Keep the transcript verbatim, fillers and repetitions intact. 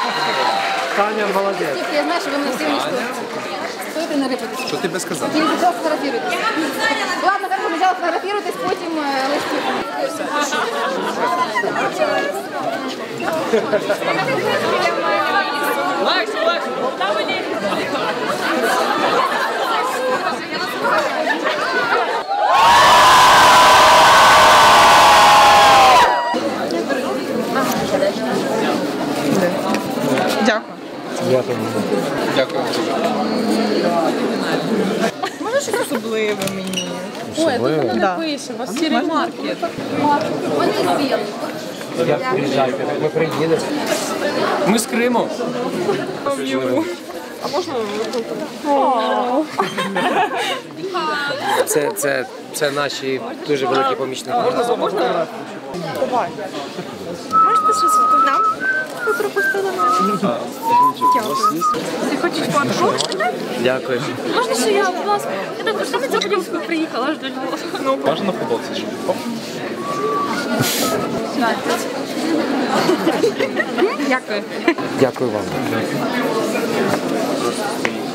Таня молодець. Я знаю, що ви мене всі уничтожите. Стоїте на репетиції. Що ти сказав? Тільки просто фотографіруйтесь. Ладно, так спочатку фотографіруйтесь, потім листів. Легше, легше. Там мені. Дякую. Дякую. Дякую. Може щось особливе мені? Ой, тут вона Да. не пише, у вас сірий маркет. Вони білі. Як приїжджайте, ми приїдемо. Ми з Криму. А можна? Це, це, це наші дуже великі помічники. Можна? Можна? Давай. Можете щось нам? Ви пропустили мене. Дякую. Ти хочеш фотку? Дякую. Можна, що я, будь ласка, я так саме цього поділку приїхала аж до Львова. Можна на футболці? Дякую. Дякую вам.